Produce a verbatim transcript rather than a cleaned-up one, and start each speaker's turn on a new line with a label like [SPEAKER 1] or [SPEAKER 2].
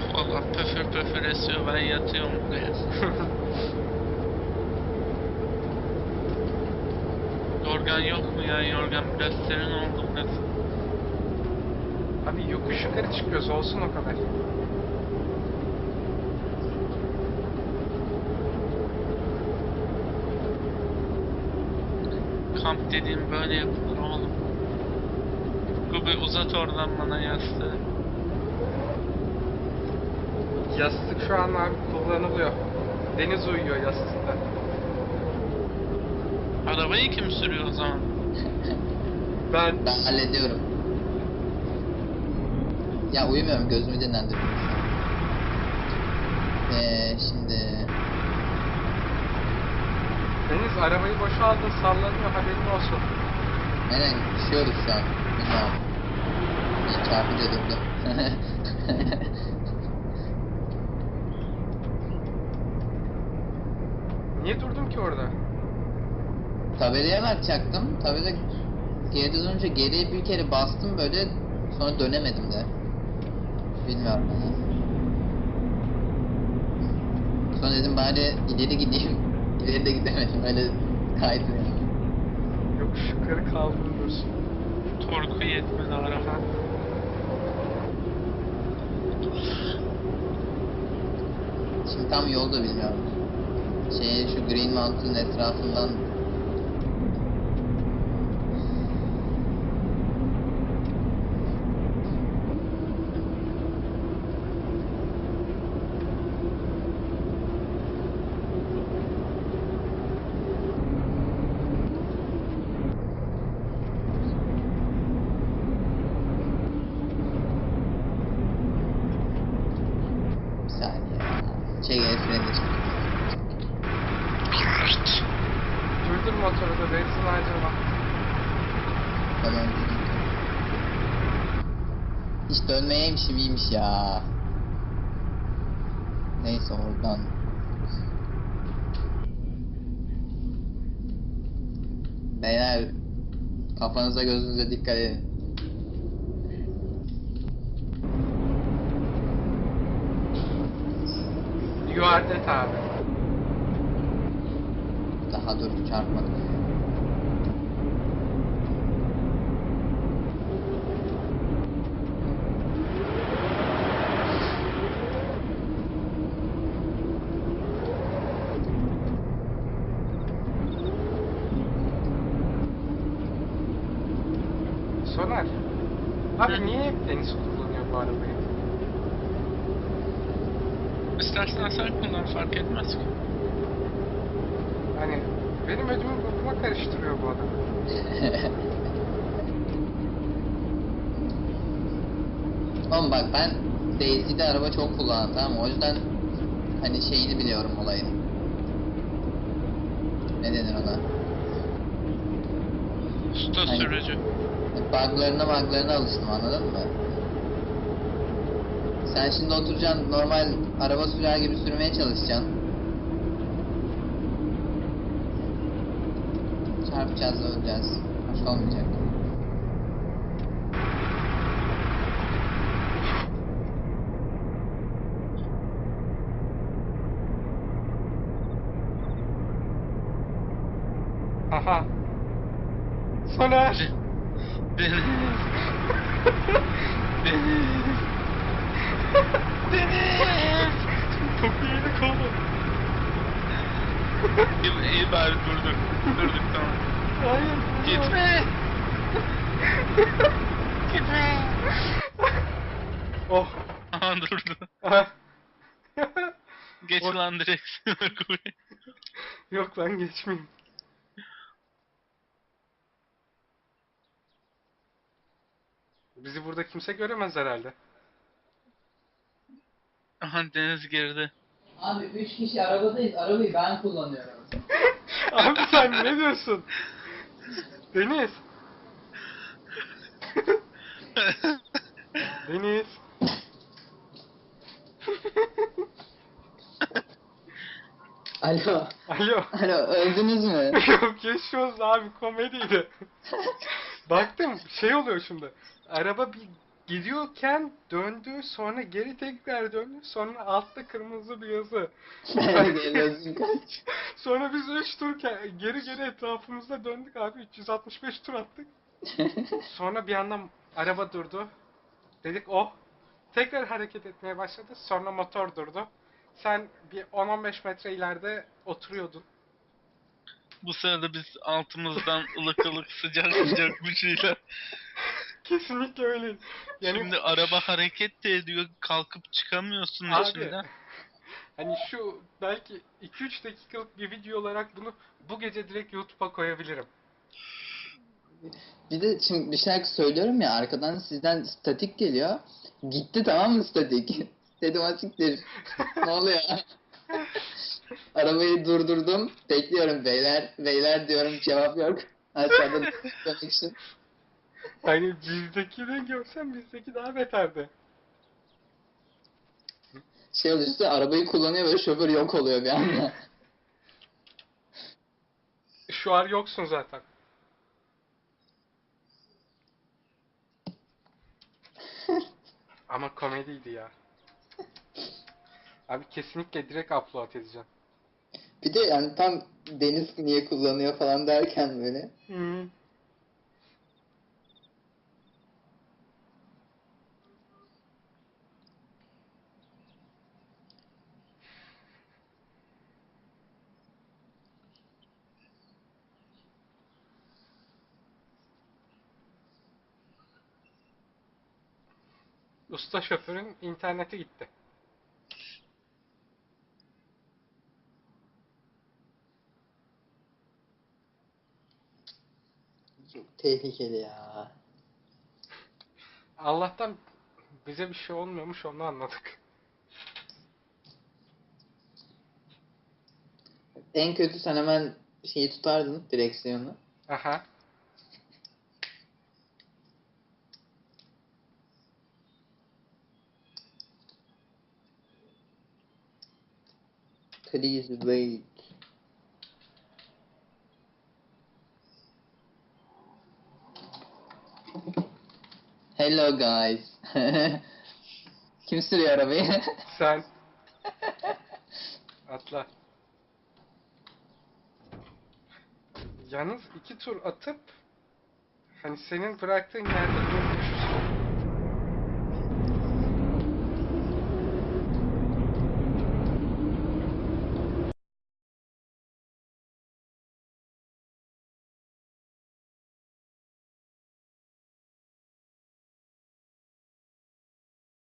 [SPEAKER 1] Valla pöfür pöfür esiyor, ben yatıyorum buraya. Yorgan yok mu ya? Yorgan biraz serin oldu biraz.
[SPEAKER 2] Abi yokuş yukarı çıkıyoruz, olsun o kadar.
[SPEAKER 1] Kamp dediğim böyle yapılır oğlum. Gubi uzat oradan bana yastığı.
[SPEAKER 2] Yastık şu an abi kullanılıyor. Deniz uyuyor yastıkta.
[SPEAKER 1] Arabayı kim sürüyor o zaman?
[SPEAKER 2] Ben...
[SPEAKER 3] Ben hallediyorum. Ya uyumuyorum, gözümü dinlendiriyorum şu an. Ee, şimdi...
[SPEAKER 2] Deniz arabayı boşaldın, sallanıyor, haberin olsun.
[SPEAKER 3] Neden düşüyoruz şu an? Bilmiyorum. İyi, çarpınca durdu.
[SPEAKER 2] Niye durdun ki orada?
[SPEAKER 3] Tabelaya bakacaktım. Tabela geride dönünce geriye bir kere bastım böyle, sonra dönemedim de. Bilmiyorum yani. Sonra dedim bari ileri gideyim. İleri de gidemedim, öyle kaydı yani.
[SPEAKER 2] Yokuş yukarı kaldırıyorsun.
[SPEAKER 1] Torku yetmedi araba.
[SPEAKER 2] Aha.
[SPEAKER 3] Şimdi tam yolda bilmiyorum. Şey, şu Green Mountain'ın etrafından bir saniye ya. Şey, el freni çıktı.
[SPEAKER 2] Durdur motoru da benzin harcama.
[SPEAKER 3] Tamam. Hiç dönmeyeymişim, iyiymiş ya. Neyse, oradan. Beyler, kafanıza gözünüze dikkat edin.
[SPEAKER 2] You are dead abi.
[SPEAKER 3] Daha dur, çarpmadık.
[SPEAKER 2] Soner. Abi
[SPEAKER 1] Hı.
[SPEAKER 2] niye hep Deniz kullanıyor bu arabayı?
[SPEAKER 1] İstersen sen kullan, fark etmez ki.
[SPEAKER 2] Hani benim ödümü bokuma karıştırıyor bu adam.
[SPEAKER 3] Oğlum bak, ben Daisy'de araba çok kullandım, tamam mı? O yüzden hani şeyini biliyorum olayın. Ne denir ona?
[SPEAKER 1] Usta
[SPEAKER 3] Hani-
[SPEAKER 1] sürücü.
[SPEAKER 3] Buglarına buglarına alıştım, anladın mı? Sen şimdi oturacaksın, normal araba sürer gibi sürmeye çalışacaksın. Çarpacağız, öleceğiz. Hoş olmayacak.
[SPEAKER 2] Aha. Soner.
[SPEAKER 1] Deniz. Deniz. Deniz.
[SPEAKER 2] Topu yedik oğlum.
[SPEAKER 1] İyi, iyi bari durduk. Durduk, tamam.
[SPEAKER 2] Hayır.
[SPEAKER 1] Gitme. Gitme.
[SPEAKER 2] Oh.
[SPEAKER 1] Aha durdu.
[SPEAKER 2] Aha.
[SPEAKER 1] Geç
[SPEAKER 2] Oh.
[SPEAKER 1] lan direksiyona Gubi.
[SPEAKER 2] Yok lan, geçmeyeyim. Bizi burada kimse göremez herhalde.
[SPEAKER 1] Aha Deniz girdi.
[SPEAKER 3] Abi üç kişi arabadayız, arabayı ben kullanıyorum.
[SPEAKER 2] Abi sen ne diyorsun? Deniz. Deniz.
[SPEAKER 3] Alo.
[SPEAKER 2] Alo.
[SPEAKER 3] Alo, öldünüz mü?
[SPEAKER 2] Yok, geçiyoruz abi, komediydi. Baktım şey oluyor şimdi. Araba bir gidiyorken döndü, sonra geri tekrar döndü, sonra altta kırmızı bir yazı.
[SPEAKER 3] Geliyorsun kaç.
[SPEAKER 2] Sonra biz üç tur ke- geri geri etrafımızda döndük abi, üç yüz altmış beş tur attık. Sonra bir yandan araba durdu. Dedik oh. Tekrar hareket etmeye başladı. Sonra motor durdu. Sen bir on on beş metre ileride oturuyordun.
[SPEAKER 1] Bu sırada biz altımızdan ılık ılık sıcak sıcak bir şeyler.
[SPEAKER 2] Kesinlikle öyle. Yani
[SPEAKER 1] Şimdi araba hareket de ediyor. Kalkıp çıkamıyorsun
[SPEAKER 2] abi
[SPEAKER 1] içinden.
[SPEAKER 2] hani şu belki iki üç dakikalık bir video olarak bunu bu gece direkt YouTube'a koyabilirim.
[SPEAKER 3] Bir de şimdi bir şarkı söylüyorum ya, arkadan sizden statik geliyor. Gitti, tamam mı statik? Dedim asiktir. Ne oluyor? Arabayı durdurdum. Bekliyorum beyler. Beyler diyorum, cevap yok. Aşağıda dönmek için.
[SPEAKER 2] Hani bizdekini görsen bizdeki daha beterdi.
[SPEAKER 3] Şey oluyor işte, arabayı kullanıyor böyle, şoför yok oluyor bir anda.
[SPEAKER 2] Şu an yoksun zaten. Ama komediydi ya. Abi kesinlikle direkt upload edeceğim.
[SPEAKER 3] Bir de yani tam Deniz niye kullanıyor falan derken böyle.
[SPEAKER 2] Hmm. Usta şoförün interneti gitti.
[SPEAKER 3] Çok tehlikeli ya.
[SPEAKER 2] Allah'tan bize bir şey olmuyormuş, onu anladık.
[SPEAKER 3] En kötü sen hemen şeyi tutardın, direksiyonu.
[SPEAKER 2] Aha.
[SPEAKER 3] Please wait. Hello guys. Kim sürüyor arabayı?
[SPEAKER 2] Sen atla. Yalnız iki tur atıp hani senin bıraktığın yerde durmuş